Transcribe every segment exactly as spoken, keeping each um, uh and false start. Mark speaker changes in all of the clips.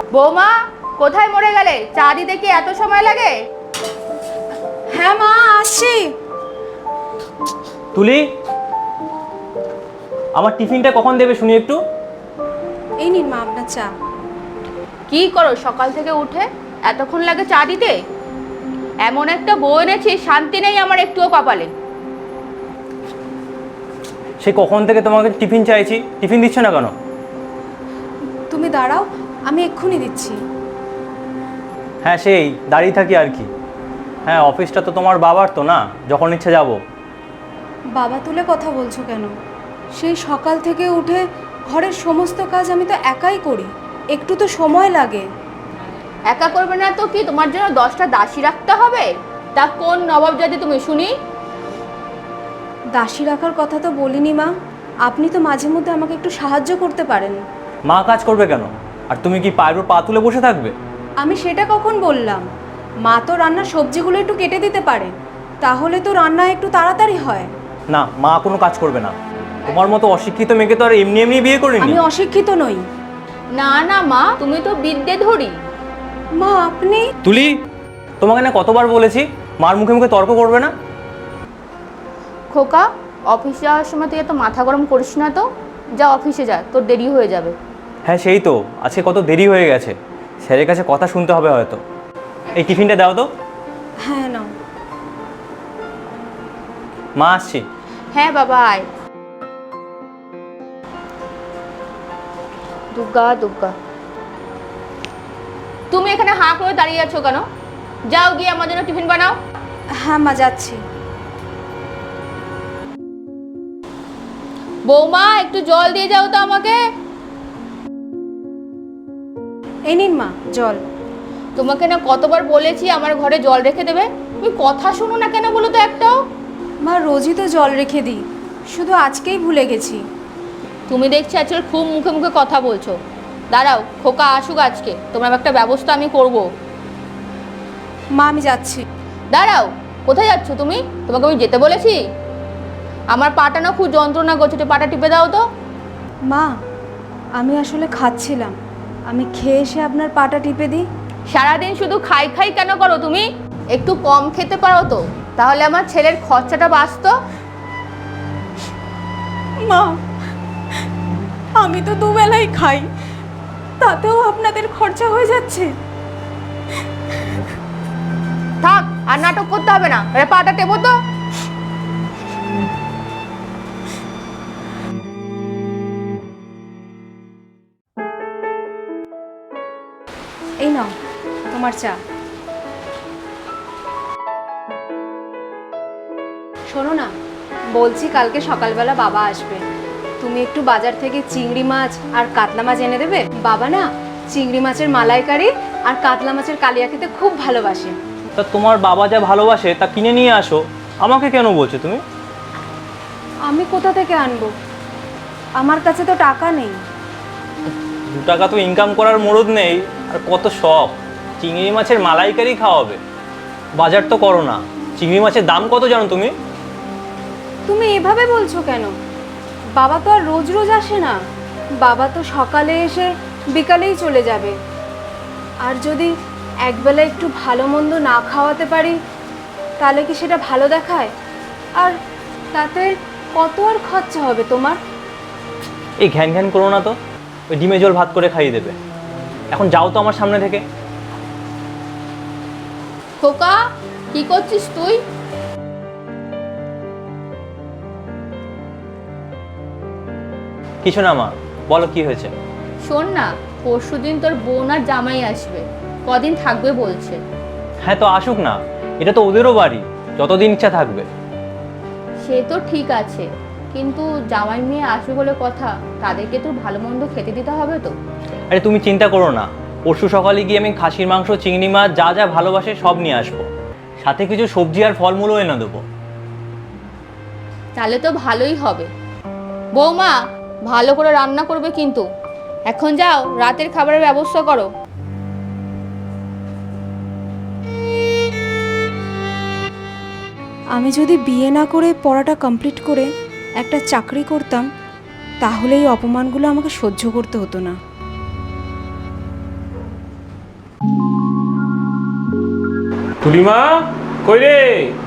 Speaker 1: বৌমা কোথায় মরে গেলে? চা দিতে কি এত সময় লাগে?
Speaker 2: হ্যাঁ মা, আসছি।
Speaker 3: তুলি, আমার টিফিনটা কখন দেবে শুনি একটু?
Speaker 2: এই নিন মা আপনার চা।
Speaker 1: কি করো সকাল থেকে উঠে? এতক্ষণ লাগে চা দিতে? এমন একটা বউ এনেছি, শান্তি নেই আমার একটুও কপালে।
Speaker 3: সে কখন থেকে তোমাকে টিফিন চাইছি, টিফিন দিচ্ছ না কেন?
Speaker 2: তুমি দাঁড়াও, আমি এক্ষুনি দিচ্ছি।
Speaker 3: হ্যাঁ সেই দাঁড়িয়ে থাকি আর কি। হ্যাঁ অফিসটা তো তোমার বাবার তো না, যখন ইচ্ছে যাব।
Speaker 2: বাবা তুলে কথা বলছো কেন? সেই সকাল থেকে উঠে ঘরের সমস্ত কাজ আমি তো একাই করি, একটু তো সময় লাগে।
Speaker 1: একা করবে না তো কি তোমার জন্য দশটা দাসী রাখতে হবে? তা কোন নবাব জাতি তুমি শুনি?
Speaker 2: দাসী রাখার কথা তো বলিনি মা, আপনি তো মাঝে মধ্যে আমাকে একটু সাহায্য করতে পারেন।
Speaker 3: মা কাজ করবে কেন? আর তুমি কি পায়ের উপর পা তুলে বসে থাকবে?
Speaker 2: আমি সেটা কখন বললাম? মা তো রান্নার সবজিগুলো একটু কেটে দিতে পারে, তাহলে তো রান্না একটু তাড়াতাড়ি হয়।
Speaker 3: না, মা কোনো কাজ করবে না। তোমার মতো অশিক্ষিত মেয়েকে তো আর এমনি এমনি বিয়ে করিনি।
Speaker 2: আমি অশিক্ষিত নই।
Speaker 1: না না মা, তুমি তো বিদ্যে ধরি।
Speaker 2: মা আপনি।
Speaker 3: তুলি, তোমাকে না কতবার বলেছি মার মুখে মুখে তর্ক করবে না।
Speaker 1: খোকা, অফিসে যাওয়ার সময় তুই এত মাথা গরম করিস না তো। যা অফিসে যা, তোর দেরি হয়ে যাবে।
Speaker 3: হ্যাঁ সেই তো, আজকে কত দেরি হয়ে গেছে, স্যারের কাছে কথা শুনতে হবে হয়তো। এই টিফিনটা দাও তো।
Speaker 2: হ্যাঁ নাও।
Speaker 3: মা আসছি।
Speaker 1: হ্যাঁ বাবা আয়। দুর্গা দুর্গা, তুমি এখানে হাঁ করে দাঁড়িয়ে আছো কেন? যাও গিয়ে আমার জন্য টিফিন বানাও।
Speaker 2: হ্যাঁ মা, যাচ্ছি।
Speaker 1: বৌমা একটু জল দিয়ে যাও তো আমাকে।
Speaker 2: এই নিন মা জল।
Speaker 1: তোমাকে না কতবার বলেছি আমার ঘরে জল রেখে দেবে, তুমি কথা শোনো না কেন বলো তো একটাও?
Speaker 2: মা রোজই তো জল রেখে দিই, শুধু আজকেই ভুলে গেছি।
Speaker 1: তুমি দেখছি আজকাল খুব মুখে মুখে কথা বলছো। দাঁড়াও, খোকা আসুক আজকে, তোমার একটা ব্যবস্থা আমি করব।
Speaker 2: মা আমি যাচ্ছি।
Speaker 1: দাঁড়াও, কোথায় যাচ্ছ তুমি? তোমাকে আমি যেতে বলেছি? আমার পাটা না খুব যন্ত্রণা করছে, একটু পাটা টিপে দাও তো।
Speaker 2: মা আমি আসলে খাচ্ছিলাম, আমি খেয়ে এসে আপনার পাটা টিপে দিই।
Speaker 1: সারাদিন শুধু খাই খাই কেন করো তুমি? একটু কম খেতে পারো তো, তাহলে আমার ছেলের খরচাটা বাঁচতো।
Speaker 2: মা আমি তো দুবেলাই খাই, তাতেও আপনাদের খরচা হয়ে যাচ্ছে।
Speaker 1: থাক, আর নাটক করতে হবে না, এবার পাটা টেপো তো।
Speaker 2: এই নাও তোমার চা। শোনো না, বলছি কালকে সকালবেলা বাবা আসবে, তুমি একটু বাজার থেকে চিংড়ি মাছ আর কাতলা মাছ এনে দেবে। বাবা না চিংড়ি মাছের মালাইকারি আর কাতলা মাছের কালিয়া খেতে খুব ভালোবাসে।
Speaker 3: তা তোমার বাবা যা ভালোবাসে তা কিনে নিয়ে আসো, আমাকে কেন বলছো তুমি?
Speaker 2: আমি কোথা থেকে আনবো? আমার কাছে তো টাকা নেই।
Speaker 3: দু টাকা তো ইনকাম করার মুরদ নেই, আর কত শখ চিংড়ি মাছের মালাইকারি খাওয়াবে। বাজার তো করো না, চিংড়ি মাছের দাম কত জানো তুমি?
Speaker 2: তুমি এভাবে বলছো কেন? বাবা তো আর রোজ রোজ আসে না, বাবা তো সকালে এসে বিকালেই চলে যাবে। আর যদি একবেলা একটু ভালো মন্দ না খাওয়াতে পারি তাহলে কি সেটা ভালো দেখায়? আর তাতে কত আর খরচা হবে তোমার?
Speaker 3: এই ঘ্যান ঘ্যান করো না তো, ওই ডিমে জল ভাত করে খাইয়ে দেবে। এখন যাও তো আমার সামনে থেকে।
Speaker 1: খোকা, কি করছিস তুই?
Speaker 3: কিছু না মা, বলো কি হয়েছে?
Speaker 1: শোন না, পরশুদিন তোর বোন আর জামাই আসবে, কদিন থাকবে বলছে।
Speaker 3: হ্যাঁ তো আসুক না, এটা তো ওদেরও বাড়ি, যতদিন ইচ্ছা থাকবে।
Speaker 1: সে তো ঠিক আছে, কিন্তু জামাই মেয়ে আসবে বলে কথা, তাদেরকে তো ভালো মন্দ খেতে দিতে হবে তো।
Speaker 3: আরে তুমি চিন্তা করো না, পরশু সকালে গিয়ে আমি খাসির মাংস, চিংড়ি মাছ যা যা ভালোবাসে সব নিয়ে আসবো, সাথে কিছু সবজি আর ফলমূলও এনে দেবো।
Speaker 1: তাহলে তো ভালোই হবে। বৌমা ভালো করে রান্না করবে কিন্তু। এখন যাও, রাতের খাবারের ব্যবস্থা করো।
Speaker 2: আমি যদি বিয়ে না করে পড়াটা কমপ্লিট করে একটা চাকরি করতাম তাহলে এই অপমানগুলো আমাকে সহ্য করতে হতো না।
Speaker 4: তুলিমা, কই রে?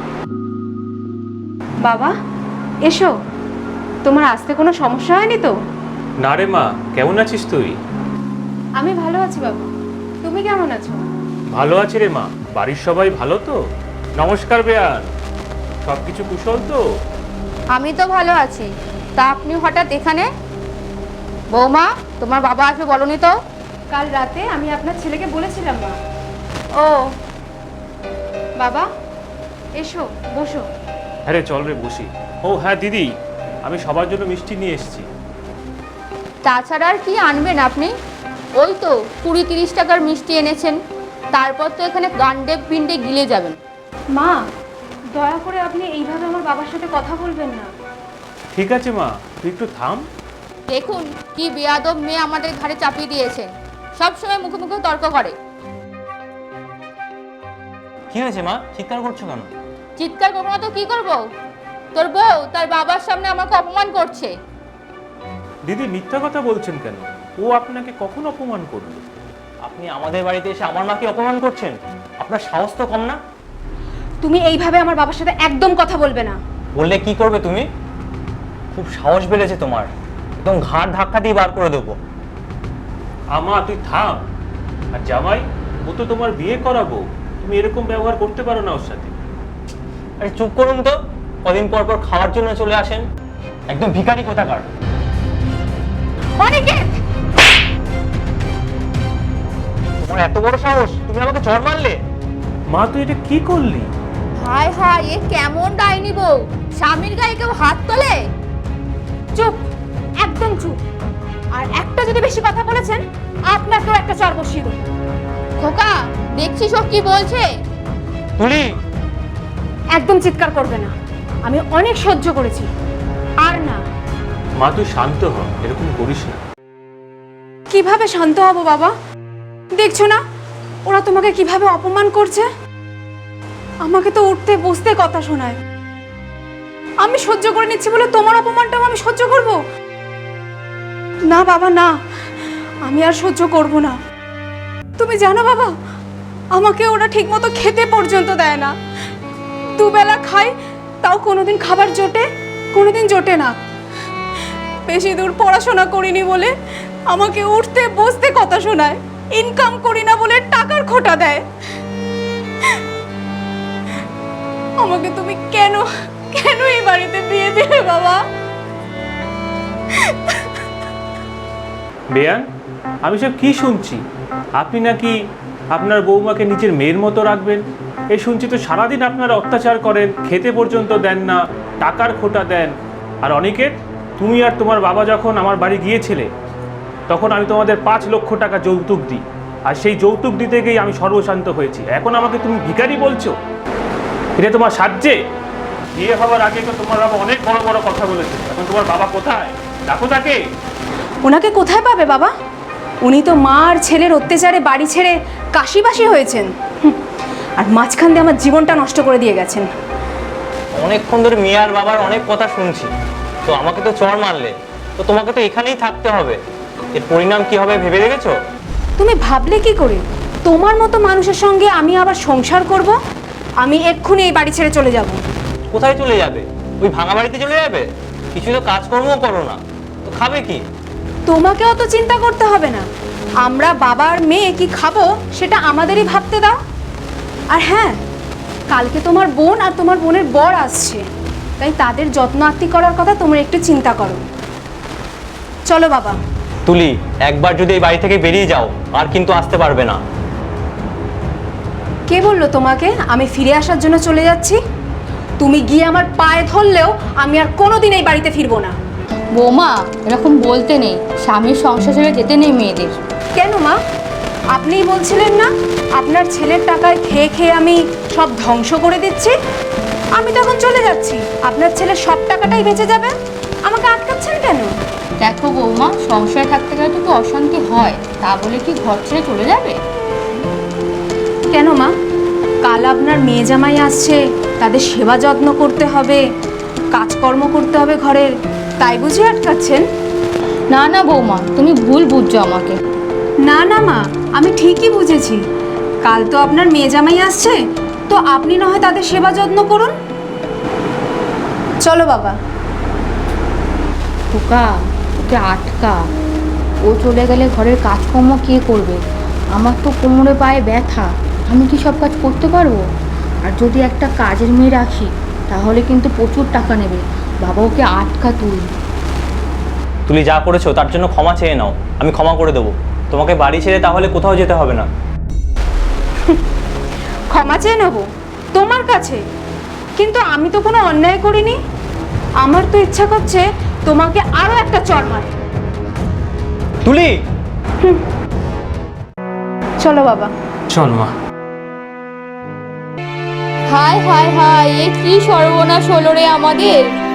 Speaker 2: বাবা এসো, তোমার আসতে কোনো সমস্যা হয়নি তো?
Speaker 4: না রে মা, কেমন আছিস তুই?
Speaker 2: আমি ভালো আছি বাবা, তুমি কেমন আছো?
Speaker 4: ভালো আছি রে মা। বাড়ির সবাই ভালো তো? নমস্কার বেয়ান, সব কিছু কুশল তো?
Speaker 1: আমি তো ভালো আছি, তা আপনি হঠাৎ এখানে? বৌমা, তোমার বাবা আসবে বলনি তো?
Speaker 2: কাল রাতে আমি আপনার ছেলেকে বলেছিলাম মা।
Speaker 1: ও,
Speaker 2: বাবা এসো, বসো।
Speaker 4: হ্যাঁ রে, চল রে বসি। ও হ্যাঁ দিদি, আমি সবার জন্য মিষ্টি নিয়ে এসেছি।
Speaker 1: তাছাড়া আর কি আনবেন আপনি? ওই তো কুড়ি তিরিশ টাকার মিষ্টি এনেছেন, তারপর তো এখানে গান্ডে পিণ্ডে গিলে যাবেন।
Speaker 2: মা, দয়া করে আপনি এইভাবে আমার বাবার সাথে কথা বলবেন না।
Speaker 4: ঠিক আছে মা, তুই একটু থাম।
Speaker 1: দেখুন কি বেয়াদব মেয়ে আমাদের ঘাড়ে চাপিয়ে দিয়েছেন, সব সময় মুখে মুখে তর্ক করে।
Speaker 3: কি হয়েছে মা, চিৎকার করছো কেন?
Speaker 1: চিৎকার করবো না তো কি করবো? তোর বউ তার বাবার সামনে আমাকে অপমান করছে।
Speaker 4: দিদি মিথ্যা কথা বলছেন কেন? ও আপনাকে কখন অপমান করলো?
Speaker 3: আপনি আমাদের বাড়িতে এসে আমার মাকে অপমান করছেন? আপনার সাহস তো কম না?
Speaker 2: তুমি এইভাবে আমার বাবার সাথে একদম কথা বলবে না।
Speaker 3: বললে কি করবে তুমি? খুব সাহস বেড়েছে তোমার, একদম ঘাড় ধাক্কা দিয়ে বার করে দেবো।
Speaker 4: আমা তুই থাম। আর জামাই, ও তো তোমার বিয়ে করাবো, তুমি এরকম ব্যবহার করতে পারো না ওর সাথে।
Speaker 3: আরে চুপ করুন তো, কদিন পর পর খাওয়ার জন্য চলে আসেন, একদম ভিখারি কোথাকার।
Speaker 1: অনিকেত,
Speaker 3: তোমার এত বড় সাহস, তুমি আমাকে চড় মারলে?
Speaker 4: মা তুই এটা কি করলি?
Speaker 1: হায় হায়, এ কেমন ডাইনি বউ, স্বামীর গায়ে কেউ হাত তোলে?
Speaker 2: চুপ, একদম চুপ। আর একটা যদি বেশি কথা বলেছেন, আপনাকেও একটা চড় বসিয়ে দেবো।
Speaker 1: খোকা, দেখছিস ও কি বলছে?
Speaker 3: তুলি,
Speaker 2: একদম চিৎকার করবে না, আমি অনেক সহ্য করেছি, আর না।
Speaker 4: মা তুই শান্ত হ, এরকম করিস না।
Speaker 2: কিভাবে শান্ত হব বাবা? দেখছো না ওরা তোমাকে কিভাবে অপমান করছে? আমাকে তো উঠতে বসতে কথা শোনায়। আমি সহ্য করে নিচ্ছি বলে তোমার অপমানটাও আমি সহ্য করব? না বাবা না, আমি আর সহ্য করব না। তুমি জানো বাবা, আমাকে ওরা ঠিকমতো খেতে পর্যন্ত দেয় না। দুবেলা খাই, তাও কোনোদিন খাবার জোটে, কোনোদিন জোটে না। বেশি দূর পড়াশোনা করিনি বলে আমাকে উঠতে বসতে কথা শোনায়। ইনকাম করি না বলে টাকার খোটা দেয়। আমাকে তুমি কেন কেন এই বাড়িতে বিয়ে দিলে বাবা?
Speaker 4: বেয়ান, আমি সব কি শুনছি? আপনি নাকি আপনার বৌমাকে নিজের মেয়ের মতো রাখবেন, এই শুনছি তো সারাদিন আপনারা অত্যাচার করেন, খেতে পর্যন্ত দেন না, টাকার খোটা দেন। আর অনিকেত, তুমি আর তোমার বাবা যখন আমার বাড়ি গিয়েছিলে, তখন আমি তোমাদের পাঁচ লক্ষ টাকা যৌতুক দিই, আর সেই যৌতুক দিতে গিয়ে আমি সর্বশান্ত হয়েছি। এখন আমাকে তুমি ভিখারি বলছো? এটা তোমার সাহায্যে? বিয়ে হওয়ার আগে তো তোমার বাবা অনেক বড় বড় কথা বলেছে, এখন তোমার বাবা কোথায়? ডাকো তাকে।
Speaker 2: ওনাকে কোথায় পাবে বাবা? উনি তো মা আর ছেলের অত্যাচারে বাড়ি ছেড়ে কাশিবাসী হয়েছেন। হুঁ, আর মাঝখান দিয়ে আমার জীবনটা নষ্ট করে দিয়ে গেছেন।
Speaker 3: অনেকক্ষণ ধরে মেয়ে আর বাবার অনেক কথা শুনছি, তো আমাকে তো চড় মারলে, তো তোমাকে তো এখানেই থাকতে হবে। এর পরিণাম কি হবে ভেবে দেখেছো?
Speaker 2: তুমি ভাবলে কি করে তোমার মতো মানুষের সঙ্গে আমি আবার সংসার করব? আমি এক্ষুনি এই বাড়ি ছেড়ে চলে যাব।
Speaker 3: কোথায় চলে যাবে? ওই ভাঙা বাড়িতে চলে যাবে? কিছু তো কাজকর্মও করো না, তো খাবে কি?
Speaker 2: তোমাকে অত চিন্তা করতে হবে না। আমরা বাবা আর মেয়ে কি খাবো সেটা আমাদেরই ভাবতে দাও। আর হ্যাঁ, কালকে তোমার বোন আর তোমার বোনের বর আসছে, তাই তাদের যত্ন আত্তি করার কথা তোমরা একটু চিন্তা করো। চলো বাবা।
Speaker 3: তুলি, একবার যদি এই বাড়ি থেকে বেরিয়ে যাও আর কিন্তু আসতে পারবে না।
Speaker 2: কে বললো তোমাকে আমি ফিরে আসার জন্য চলে যাচ্ছি? তুমি গিয়ে আমার পায়ে ধরলেও আমি আর কোনোদিন এই বাড়িতে ফিরবো না।
Speaker 1: বৌমা, এরকম বলতে নেই, স্বামীর সংসার ছেড়ে যেতে নেই মেয়েদের।
Speaker 2: কেন মা? আপনিই বলছিলেন না আপনার ছেলের টাকায় খেয়ে খেয়ে আমি সব ধ্বংস করে দিচ্ছি? আমি তখন চলে যাচ্ছি, আপনার ছেলের সব টাকাটাই বেঁচে যাবে। আমাকে আটকাচ্ছেন কেন?
Speaker 1: দেখো বৌমা, সংসারে থাকতে গেলে তো অশান্তি হয়, তা বলে কি ঘর ছেড়ে চলে যাবে?
Speaker 2: কেন মা? কাল আপনার মেয়ে জামাই আসছে, তাদের সেবা যত্ন করতে হবে, কাজকর্ম করতে হবে ঘরের, তাই বুঝি আটকাচ্ছেন?
Speaker 1: না না বৌমা, তুমি ভুল বুঝছো আমাকে।
Speaker 2: না না মা, আমি ঠিকই বুঝেছি। কাল তো আপনার মেয়ে জামাই আসছে, তো আপনি না হয় তাদের সেবা যত্ন করুন। চলো বাবা।
Speaker 1: খোকা, ওকে আটকা। ও চলে গেলে ঘরের কাজকর্ম কে করবে? আমার তো কোমরে পায়ে ব্যথা, আমি কি সব কাজ করতে পারবো? আর যদি একটা কাজের মেয়ে রাখি তাহলে কিন্তু প্রচুর টাকা নেবে। বাবা, ওকে আটকা তুই।
Speaker 3: তুলি যা করেছো তার জন্য ক্ষমা চেয়ে নাও, আমি ক্ষমা করে দেবো। তোমাকে বাড়ি ছেড়ে তাহলে কোথাও যেতে হবে না।
Speaker 2: ক্ষমা চেয়ে নেব তোমার কাছে? কিন্তু আমি তো কোনো অন্যায় করিনি। আমার তো ইচ্ছা করছে তোমাকে আরো একটা চড় মারতে।
Speaker 3: তুলি,
Speaker 2: চলো বাবা।
Speaker 4: চল মা।
Speaker 1: হায় হায় হায়, এ কি সর্বনাশ হলো রে আমাদের।